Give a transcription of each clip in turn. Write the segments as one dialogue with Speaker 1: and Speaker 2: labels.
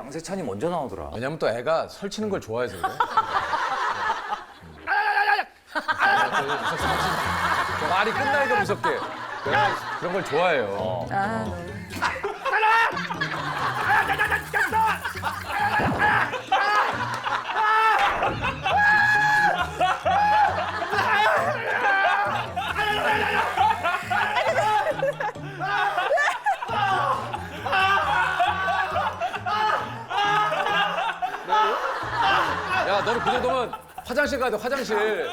Speaker 1: 양세찬이 먼저 나오더라.
Speaker 2: 왜냐면 또 애가 설치는 걸 좋아해서 그래. 말이 끝나니까 무섭게. 그런 걸 좋아해요. 야, 너는 그 정도면 화장실 가야 돼, 화장실.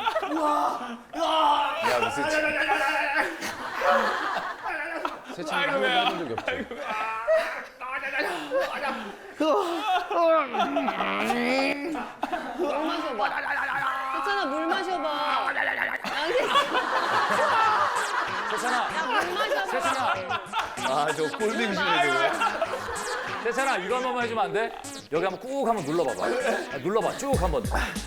Speaker 2: 야, 무슨. 세찬이 한 번도 해본 적이 없지.
Speaker 3: 물 마셔봐. 세찬아, 물 마셔봐.
Speaker 1: 세찬아,
Speaker 3: 물 마셔봐.
Speaker 1: 세찬아,
Speaker 2: 아, 저 꼴빙신이네.
Speaker 1: 세찬아 이거 한 번만 해주면 안 돼? 여기 한번 꾹 한번 눌러봐봐. 아, 눌러봐 쭉 한번.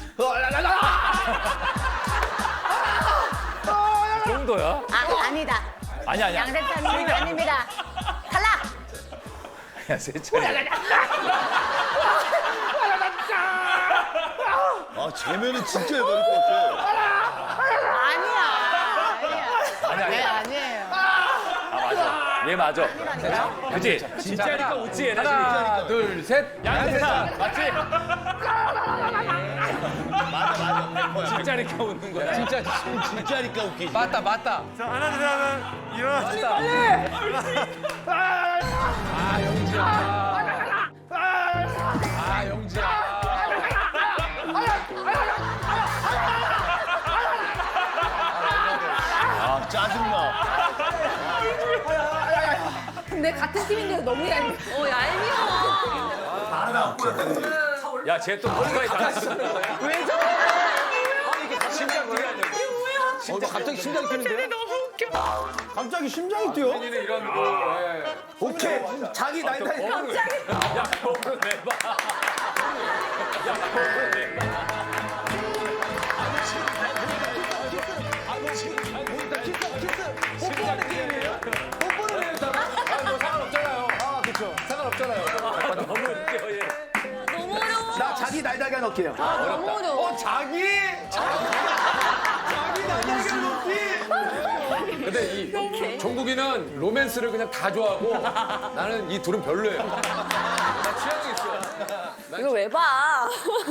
Speaker 1: 그 정도야?
Speaker 3: 아니다.
Speaker 1: 아니야 아니야.
Speaker 3: 양세찬님 아닙니다. 탈락.
Speaker 1: 야 세찬이.
Speaker 4: 아, 쟤면은 진짜 해버릴 것 같아.
Speaker 3: 아니야.
Speaker 1: 아니야.
Speaker 3: 아니에요.
Speaker 1: 아 맞아. 얘 맞아. 그지? 진짜니까 웃지 얘네.
Speaker 2: 하나, 둘, 셋.
Speaker 1: 양세찬 맞지?
Speaker 4: 맞아.
Speaker 1: 진짜니까 웃는 거야.
Speaker 4: 진짜니까 웃기지.
Speaker 2: 맞다.
Speaker 5: 자, 하나, 둘 하면 일어나시다.
Speaker 2: 아, 영지야. 아, 영지야.
Speaker 4: 아, 짜증나.
Speaker 3: 근데 같은 팀인데 너무 얄미워. 얄미워.
Speaker 1: 야 쟤 또 뭔가에 당했어.
Speaker 3: 왜 저래?
Speaker 1: 심장 뛰어야 돼.
Speaker 2: 갑자기 심장이 뛰는데요?
Speaker 4: 갑자기 심장이 뛰어?
Speaker 1: 본인은 이런 거. 예.
Speaker 4: 오케이. 자기 날 달.
Speaker 1: 야 거울을 내봐. 야 거울을 내봐.
Speaker 2: 뽀뽀하는 게임이에요? 뽀뽀를 해요, 저는? 아, 뭐 상관없잖아요. 아, 그쵸. 상관없잖아요.
Speaker 1: 너무 웃겨 얘.
Speaker 3: 너무 어려워.
Speaker 4: 나 자기 날달걀 넣기요.
Speaker 3: 너무 어려워.
Speaker 2: 자기 날달걀 먹기. 근데 이 종국이는 로맨스를 그냥 다 좋아하고 나는 이 둘은 별로예요. 나 취향이 있어.
Speaker 3: 이거 왜 봐?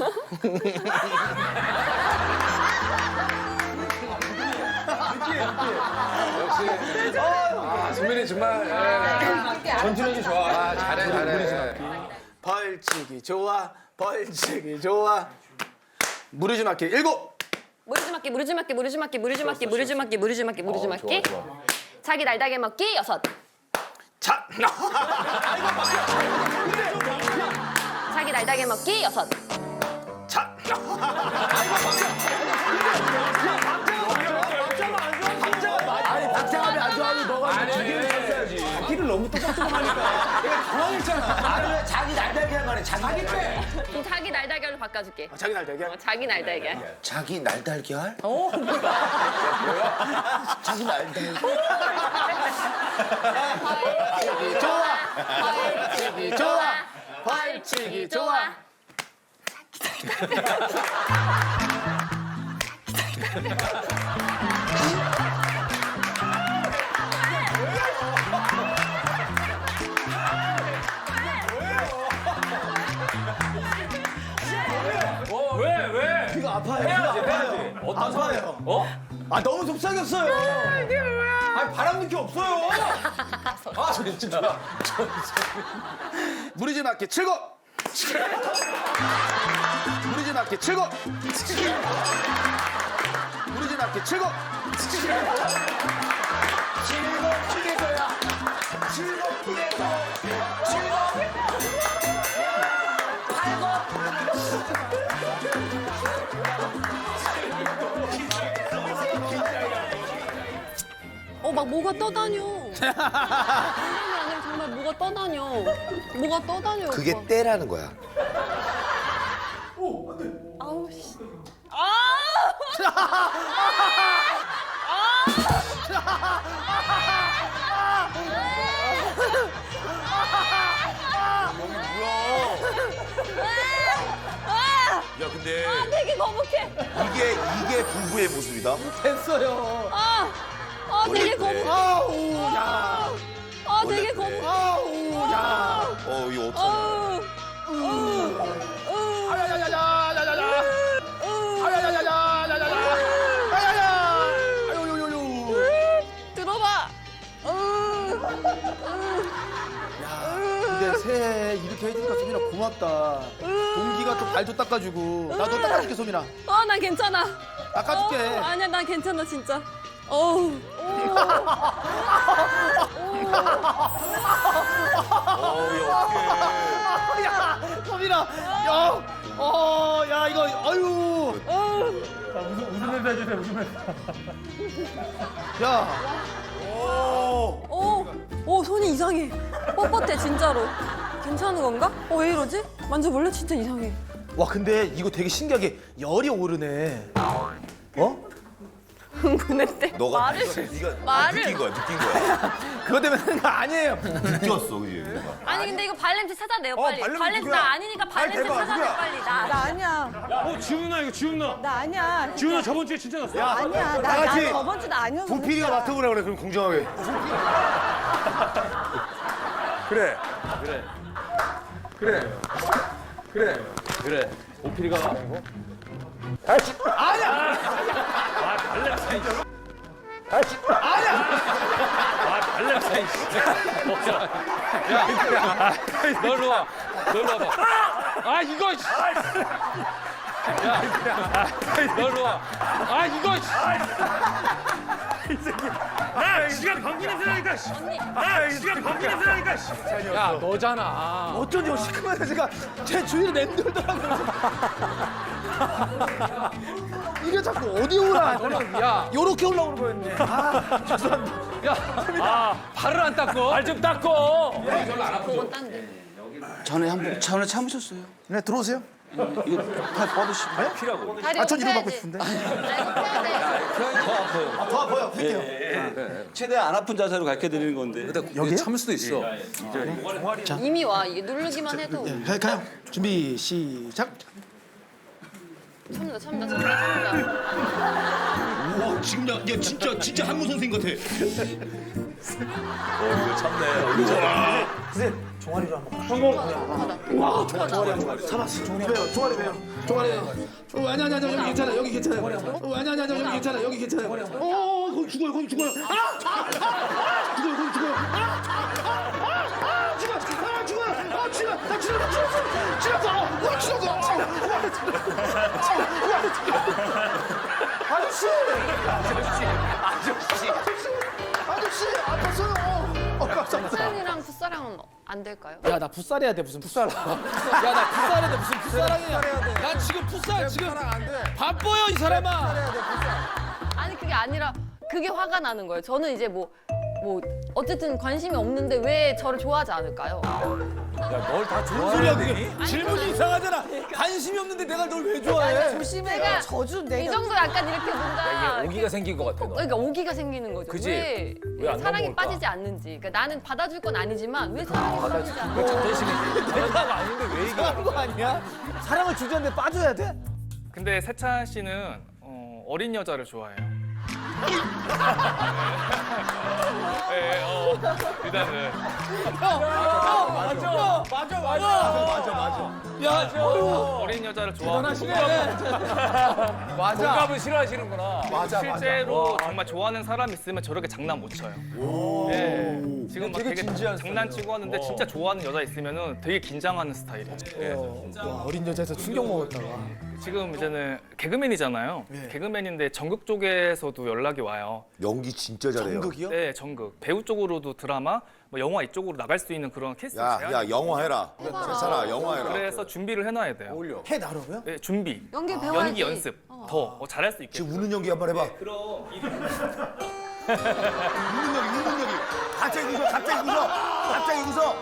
Speaker 2: 역시 승민이 정말 전투력이 좋아. 아, 잘해.
Speaker 4: 벌치기 좋아. 벌치기 좋아. 무리지 맞기 7.
Speaker 3: 무리지 맞기, 무리지 맞기, 무리지 맞기, 무리지 맞기, 무리지 맞기, 무리지 맞기, 무리지 맞기. 자기 날다게 먹기 6.
Speaker 4: 자.
Speaker 3: 자기 날다게 먹기 6.
Speaker 4: 자. 아니, 박자감이 안 좋아하면 너가 자기를 했어야지. 자기를 너무 똑똑똑하니까. 내가 당황했잖아. 아니, 자기 날달걀 한 거네. 자기 때.
Speaker 3: 그럼 자기 날달걀로 바꿔줄게.
Speaker 4: 자기 날달걀?
Speaker 3: 자기 날달걀.
Speaker 4: 자기 날달걀? 자기 날달걀. 벌치기 좋아. 벌치기 좋아. 벌치기 좋아.
Speaker 1: 왜?
Speaker 4: 이거 아파요.
Speaker 1: 해야지. 어떤
Speaker 4: 아파요.
Speaker 1: 어?
Speaker 4: 아, 너무 속삭였어요. 아, 바람 느낌 없어요.
Speaker 2: 아, 진짜.
Speaker 4: 무리지 맞기 7. 무리지 맞기 7. 무리지 맞기 7. 7 피해서야. 7 피해서.
Speaker 3: 8. 막 뭐가 떠다녀. 장난이 아니라 정말 뭐가 떠다녀. 뭐가 떠다녀.
Speaker 6: 그게
Speaker 3: 오빠.
Speaker 6: 때라는 거야.
Speaker 3: 아우 씨.
Speaker 6: 야 근데
Speaker 3: 되게 거북해.
Speaker 6: 이게 부부의 모습이다.
Speaker 4: 됐어요.
Speaker 3: 되게
Speaker 6: 그래.
Speaker 3: 거북해.
Speaker 4: 아우, 야.
Speaker 3: 되게
Speaker 6: 그래.
Speaker 3: 거북해.
Speaker 4: 아우, 야.
Speaker 6: 이거 어떡하냐.
Speaker 4: 아야야야야야야야야. 아야야야야야야야. 아야야. 아유유유유.
Speaker 3: 들어봐.
Speaker 4: 근데 새해 이렇게 해주니까 소민아 고맙다. 동기가 또 발도 닦아주고. 나도 닦아줄게 소민아.
Speaker 3: 난 괜찮아.
Speaker 4: 닦아줄게.
Speaker 3: 아니야, 난 괜찮아, 진짜. 어우.
Speaker 4: 야, 소민아. 야, 야 이거 아유.
Speaker 5: 웃음 멘트 해주세요, 웃음 멘트.
Speaker 4: 야.
Speaker 3: 손이 이상해. 뻣뻣해, 진짜로. 괜찮은 건가? 왜 이러지? 만져볼래? 진짜 이상해.
Speaker 4: 와 근데 이거 되게 신기하게 열이 오르네. 어?
Speaker 3: 흥분했대.
Speaker 6: 너가
Speaker 3: 말을.
Speaker 6: 네가
Speaker 3: 말을.
Speaker 6: 느낀 거야.
Speaker 4: 그것 때문에 하는 거 아니에요.
Speaker 6: 느꼈어, 그지?
Speaker 3: 아니, 근데 이거 발냄새 찾아내요, 빨리. 발냄새 나 아니니까 발냄새 찾아내, 빨리. 나
Speaker 5: 아니야. 지훈 누나 이거 지훈 누나.
Speaker 7: 나 아니야.
Speaker 5: 지훈 누나 저번 주에 진짜 났어.
Speaker 7: 아니야.
Speaker 6: 다 같이
Speaker 7: 나 저번 주도 아니었어.
Speaker 6: 동필이가 맡아보라 그래, 그럼 공정하게. 그래.
Speaker 1: 그래. 오피리가 아니고.
Speaker 2: 발냄새. 야, 널로 와. 널로 와봐. 아, 이거. 야, 널로 와. 아, 이거.
Speaker 5: 나 지가 방귀 냄새 나니까. 나 지가 방귀 냄새 나니까.
Speaker 2: 야, 너잖아.
Speaker 4: 어쩐지 시큼한 냄새가 제 주위를 맴돌더라고요. 이게 자꾸 어디 오라.
Speaker 2: 야,
Speaker 4: 요렇게 올라오는 거였네. 아, 죄송합니다.
Speaker 2: 야, 발을 안 닦고.
Speaker 1: 발 좀 닦어.
Speaker 3: 그건 딴 데.
Speaker 8: 전에 참으셨어요.
Speaker 4: 네, 들어오세요.
Speaker 8: 이거 다 뻗으시고.
Speaker 1: 피라고.
Speaker 3: 다리
Speaker 4: 전 이거 받고
Speaker 3: 펴야지.
Speaker 4: 싶은데.
Speaker 3: 나 이거 펴야 돼.
Speaker 8: 더 아파요.
Speaker 4: 더 아파요. 할게요.
Speaker 8: 최대한 안 아픈 자세로 가르쳐 드리는 건데.
Speaker 2: 여기 참을 수도 있어.
Speaker 3: 이미 와. 이게 누르기만 해도.
Speaker 4: 가요. 준비 시작.
Speaker 3: 참는다.
Speaker 6: 우와, 지금 야 진짜 한무 선생 같아. 이거 참네.
Speaker 4: 선생님, 종아리로 한번.
Speaker 3: 성공.
Speaker 4: 잡았어. 종아리 배요. 아니 여기 괜찮아. 여기 괜찮아요. 아니 여기 괜찮아. 여기 괜찮아요. 거기 죽어요. 거기 죽어요. 죽어요. 거기 죽어요. 아저씨 아팠어요. 깜짝이야.
Speaker 3: 풋살이랑 풋사랑은 안 될까요?
Speaker 4: 야, 나 풋살 해야 돼. 무슨 풋살? 야, 나 풋살 해야 돼. 무슨 풋살이야? 나 지금 풋살 지금 바빠요, 이 사람아.
Speaker 3: 아니, 그게 아니라 그게 화가 나는 거예요. 저는 이제 뭐 어쨌든 관심이 없는데 왜 저를 좋아하지 않을까요?
Speaker 1: 널 다
Speaker 4: 소리야,
Speaker 1: 좋아하는
Speaker 4: 그게. 질문이 이상하잖아. 관심이 없는데 내가 널 왜 좋아해?
Speaker 7: 조심해.
Speaker 3: 내가
Speaker 7: 저주
Speaker 3: 이
Speaker 7: 내가.
Speaker 3: 정도 약간 이렇게 뭔가
Speaker 1: 오기가 생긴 것 같아. 너.
Speaker 3: 그러니까 오기가 생기는 거죠.
Speaker 1: 그지?
Speaker 3: 왜
Speaker 1: 왜안
Speaker 3: 사랑에
Speaker 1: 넘어올까?
Speaker 3: 빠지지 않는지. 그러니까 나는 받아줄 건 아니지만 왜 사랑에 빠지지
Speaker 1: 그거
Speaker 3: 않는지.
Speaker 1: 자존심이지. 내가 아닌데 왜 이거?
Speaker 4: 이상한 거 아니야? 사랑을 주저는데 빠져야 돼?
Speaker 9: 근데 세찬 씨는 어린 여자를 좋아해요. 네, 일단은
Speaker 4: 맞아.
Speaker 9: 어린 여자를 좋아하고
Speaker 1: 공감을 싫어하시는구나.
Speaker 9: 실제로 정말 좋아하는 사람 있으면 저렇게 장난 못 쳐요. 네, 지금 막 되게 장난치고 하는데 진짜 좋아하는 여자 있으면은 되게 긴장하는 스타일이에요.
Speaker 4: 와, 어린 여자에서 충격 먹었다.
Speaker 9: 지금 이제는 개그맨이잖아요. 개그맨인데 전극 쪽에서도 연락이 와요.
Speaker 6: 연기 진짜 잘해요.
Speaker 4: 연극이요?
Speaker 9: 네, 전극. 배우 쪽으로도 드라마, 뭐 영화 이쪽으로 나갈 수 있는 그런 캐스팅 제한이
Speaker 6: 야 영화 해라. 세찬아 영화 해라.
Speaker 9: 그래서 준비를 해놔야 돼요.
Speaker 4: 해 나라고요?
Speaker 9: 네, 준비.
Speaker 3: 연기 배워야지.
Speaker 9: 연기 연습. 더 잘할 수 있게.
Speaker 6: 지금 우는 연기 한번 해봐.
Speaker 9: 그럼
Speaker 6: 웃는 연기. 갑자기 웃어. 갑자기 웃으라고.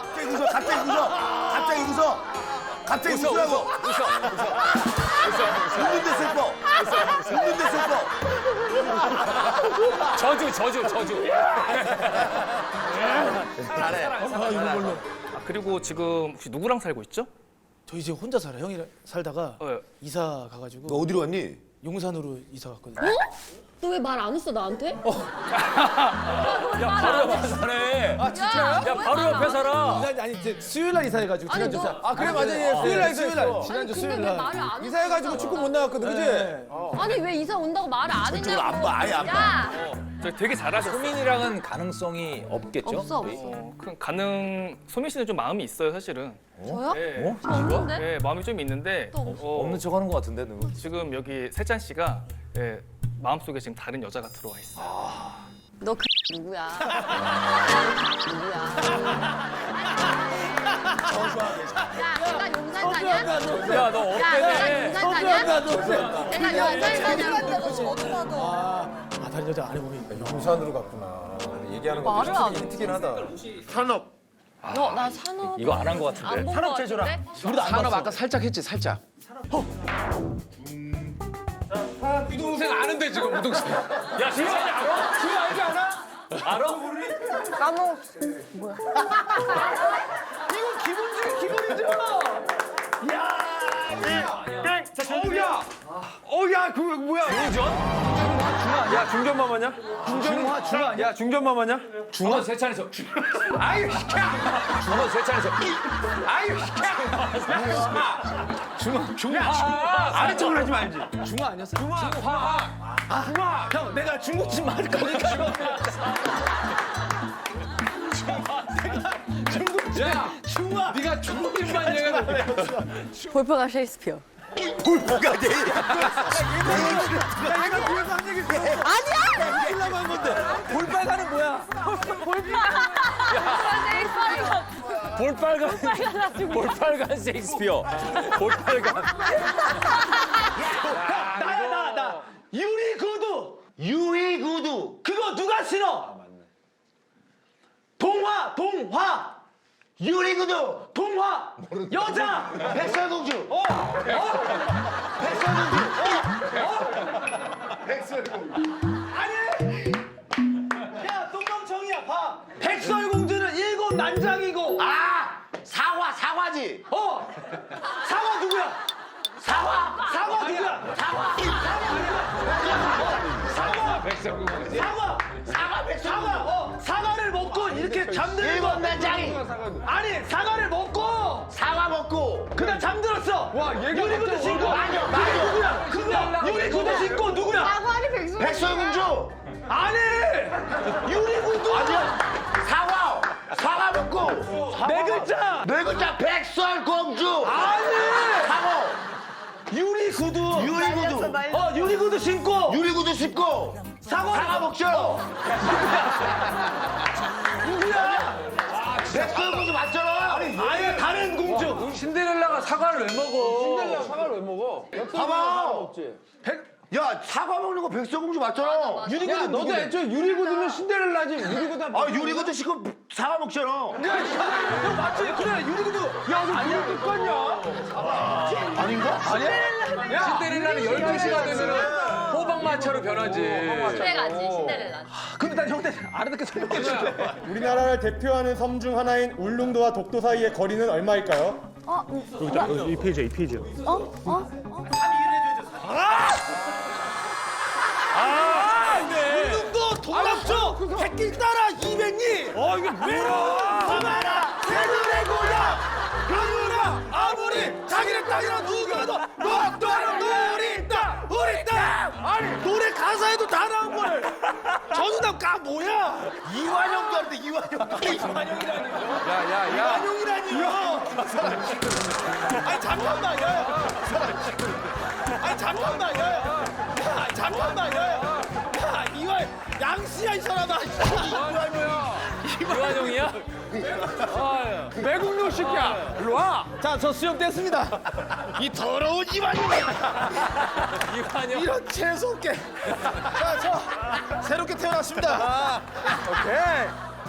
Speaker 6: 웃는데 슬퍼.
Speaker 1: 저주.
Speaker 9: 그리고 지금 혹시 누구랑 살고 있죠?
Speaker 7: 저 이제 혼자 살아요. 형이랑 살다가 이사 가가지고
Speaker 6: 너 어디로 갔니?
Speaker 7: 용산으로 이사 갔거든요.
Speaker 3: 너 왜 말 안 했어 나한테?
Speaker 1: 야 바로 옆에 사네.
Speaker 7: 아 진짜요?
Speaker 1: 야 바로 옆에 살아.
Speaker 7: 아니 이제 수요일 날 이사해가지고
Speaker 3: 아니,
Speaker 7: 지난주
Speaker 3: 너-
Speaker 7: 사.
Speaker 4: 아 그래 맞아 얘 수요일 날
Speaker 7: 수지난주
Speaker 3: 아니, 근데
Speaker 7: 수요일
Speaker 3: 왜
Speaker 7: 날.
Speaker 3: 말을 안 했어?
Speaker 4: 이사해가지고 축구 못 나갔거든 그지?
Speaker 3: 아니 왜 이사 온다고 말을 안 했냐고.
Speaker 6: 안 봐, 아예 안 봐.
Speaker 3: 야
Speaker 9: 저 되게 잘하셨어요.
Speaker 1: 소민이랑은 가능성이 없겠죠?
Speaker 3: 없어
Speaker 1: 우리?
Speaker 3: 없어.
Speaker 9: 소민 씨는 좀 마음이 있어요, 사실은.
Speaker 3: 저요?
Speaker 9: 네.
Speaker 3: 저 없는데?
Speaker 9: 네, 마음이 좀 있는데
Speaker 3: 또 없어.
Speaker 1: 없는 척하는 것 같은데 누구?
Speaker 9: 지금 여기 세찬 씨가 마음속에 지금 다른 여자가 들어와 있어요.
Speaker 3: 너 그 누구야? 누구야? 야 내가 용산 사냐?
Speaker 1: 야 너
Speaker 3: 야 내가
Speaker 1: 어때?
Speaker 3: 용산 사냐? 내가 용산 사냐고.
Speaker 7: 아 다른 여자 안 해보니.
Speaker 4: 용산으로 갔구나. 얘기하는 거
Speaker 3: 말을 안
Speaker 4: 틱틱긴 하다.
Speaker 6: 산업.
Speaker 3: 너나 산업
Speaker 1: 이거 안 한 것 같은데.
Speaker 3: 안본거 같은데?
Speaker 2: 산업 아까 살짝 했지 살짝. 우동생 아는데 지금 우동생.
Speaker 1: 야 진짜니 알아? 지금 알지 않아? 알아?
Speaker 3: 까먹었어. 뭐야?
Speaker 4: 어야 그거 뭐야? 야 중전마마냐? 야 중전마마냐?
Speaker 1: 중원 세찬에서.
Speaker 4: 아유 시켜.
Speaker 1: 중원 세찬에서.
Speaker 4: 아유 시켜. 아래쪽으로 하지 말지.
Speaker 7: 중화 아니었어?
Speaker 4: 중화. 형 내가 중국집 말 거니까.
Speaker 2: 야
Speaker 4: 중화.
Speaker 2: 네가 중국인만 얘기해.
Speaker 3: 볼퍼가 셰익스피어.
Speaker 6: 볼프가 돼.
Speaker 4: 내가 뒤에서 한 얘기 들었어.
Speaker 3: 아니야!
Speaker 4: 하려고 한 건데. 볼빨간은 뭐야?
Speaker 1: 볼빨간 셰익스피어. 볼빨간.
Speaker 4: 나야 나. 유리구두. 그거 누가 신어? 동화. 유리구두. 동화. 여자. 백설공주. 백설공주. 아니. 야 똥멍청이야 봐. 백설공주는 일곱 난장이고.
Speaker 6: 사과지.
Speaker 4: 사과 누구야? 사과 누구야? 사과를 먹고 이렇게 잠드는 거.
Speaker 6: 난장이.
Speaker 4: 아니 사과를 먹고
Speaker 6: 사과 먹고.
Speaker 4: 그다음 잠들었어. 유리구두 신고.
Speaker 6: 맞아.
Speaker 4: 누구야? 그거야. 유리구두 신고 누구야?
Speaker 3: 아니 백수.
Speaker 6: 백설공주.
Speaker 4: 아니 유리구두.
Speaker 6: 사과 먹고.
Speaker 4: 네 글자.
Speaker 6: 네 글자 백설공주.
Speaker 4: 아니
Speaker 6: 사과.
Speaker 4: 유리구두.
Speaker 6: 유리구두.
Speaker 4: 유리구두 신고.
Speaker 6: 유리구두 씹고. 사과 먹죠.
Speaker 4: 누구야?
Speaker 6: 백설공주 맞잖아.
Speaker 4: 아예 다른 공주.
Speaker 2: 신데렐라가 사과를 왜 먹어? 사과를 왜 먹어?
Speaker 6: 봐봐. 야 사과 먹는 거 백설공주 맞잖아.
Speaker 4: 유리구두 너도 애초에 유리구두는 신데렐라지. 유리구두
Speaker 6: 유리구두 씹고 사과 먹잖아.
Speaker 4: 형 맞지? 그래 유리구두. 야 너 아니야 똑같냐?
Speaker 6: 아닌가?
Speaker 2: 신데렐라는 12시가 되면은 호박마차로 변하지.
Speaker 3: 그래가지 신데렐라.
Speaker 4: 근데 난 형한테 알아듣게 설명해 줄게.
Speaker 5: 우리나라를 대표하는 섬 중 하나인 울릉도와 독도 사이의 거리는 얼마일까요? 이 페이지야.
Speaker 4: 울릉도 동남쪽 새길 따라 200리. 이게 뭐야? 서마라 새들의 고향. 그러나 아무리 자기네 땅이라 누구라도 녹도는 우리 땅. 아니 노래 가사에도 다 나온 걸. 전우남 까 뭐야?
Speaker 6: 이완용도 하는데 이완용이라니.
Speaker 2: 야야야.
Speaker 4: 이완용이라니요. 아니 잠깐만 야. 아니 잠깐만 야. 잠깐만 야. 이완 양씨야 이 사람아.
Speaker 1: 이완용이야?
Speaker 4: 매국노 새끼야. 일로 와. 자, 저 수염 뗐습니다. 이 더러운 이완용이.
Speaker 1: 이완용.
Speaker 4: 이런 재수없게. 자, 저 새롭게 태어났습니다. 오케이.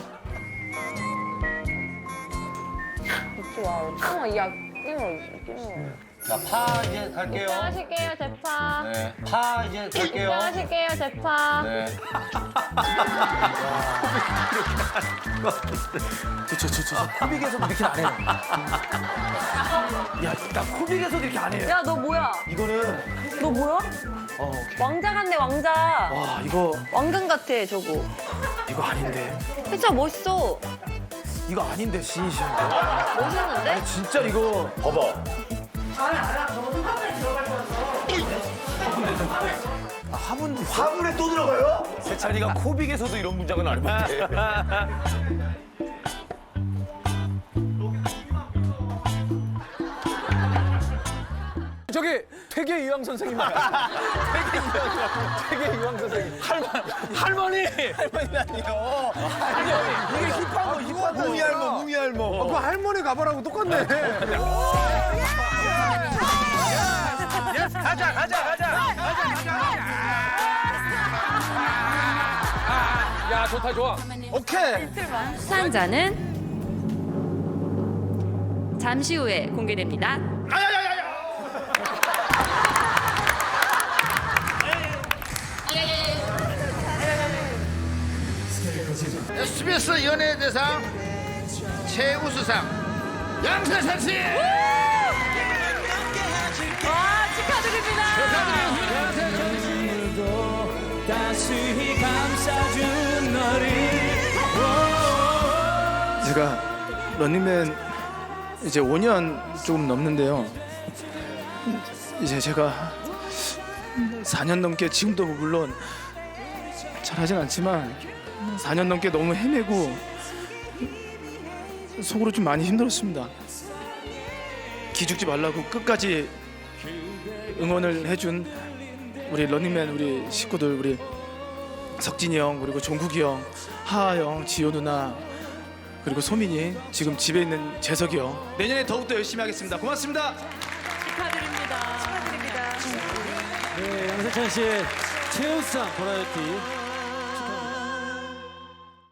Speaker 6: 파 이제 갈게요.
Speaker 3: 하실게요 제파.
Speaker 6: 네. 파 이제 갈게요.
Speaker 3: 하실게요 제파.
Speaker 6: 네.
Speaker 7: 코빅에서 이렇게 안 해요.
Speaker 4: 야, 나 코빅에서도 이렇게 안 해.
Speaker 3: 야, 너 뭐야?
Speaker 4: 이거는
Speaker 3: 너 뭐야?
Speaker 4: 오케이.
Speaker 3: 왕자 같네, 왕자.
Speaker 4: 와, 이거
Speaker 3: 왕관 같아, 저거.
Speaker 4: 아닌데.
Speaker 3: 진짜 멋있어.
Speaker 4: 이거 아닌데, 진심인데.
Speaker 3: 멋있는데?
Speaker 4: 진짜 이거 봐봐. 화분에 또 들어가요? 세찬이가 코빅에서도 이런 문장은 안 해봤대.
Speaker 2: 저기 퇴계 이황 선생님 말이야. 퇴계 이황 선생님. 할머니.
Speaker 4: 할머니라니요. 이게 힙한 거, 힙한 거. 무미할머, 무미할머.
Speaker 2: 그 할머니 가봐라고 똑같네. 야, 좋다, 좋아.
Speaker 4: 오케이.
Speaker 10: 수상자는 잠시 후에 공개됩니다.
Speaker 6: SBS 연예대상 최우수상 양세찬 씨.
Speaker 3: 와, 축하드립니다.
Speaker 7: 제가 런닝맨 이제 5년 조금 넘는데요. 이제 제가 4년 넘게 지금도 물론 잘하진 않지만 4년 넘게 너무 헤매고 속으로 좀 많이 힘들었습니다. 기죽지 말라고 끝까지 응원을 해준 우리 런닝맨 우리 식구들 우리 석진이 형 그리고 종국이 형 하하 형 지효 누나 그리고 소민이 지금 집에 있는 재석이 형 내년에 더욱더 열심히 하겠습니다. 고맙습니다.
Speaker 3: 축하드립니다. 축하드립니다.
Speaker 5: 네, 양세찬 씨의 최우수상 버라이어티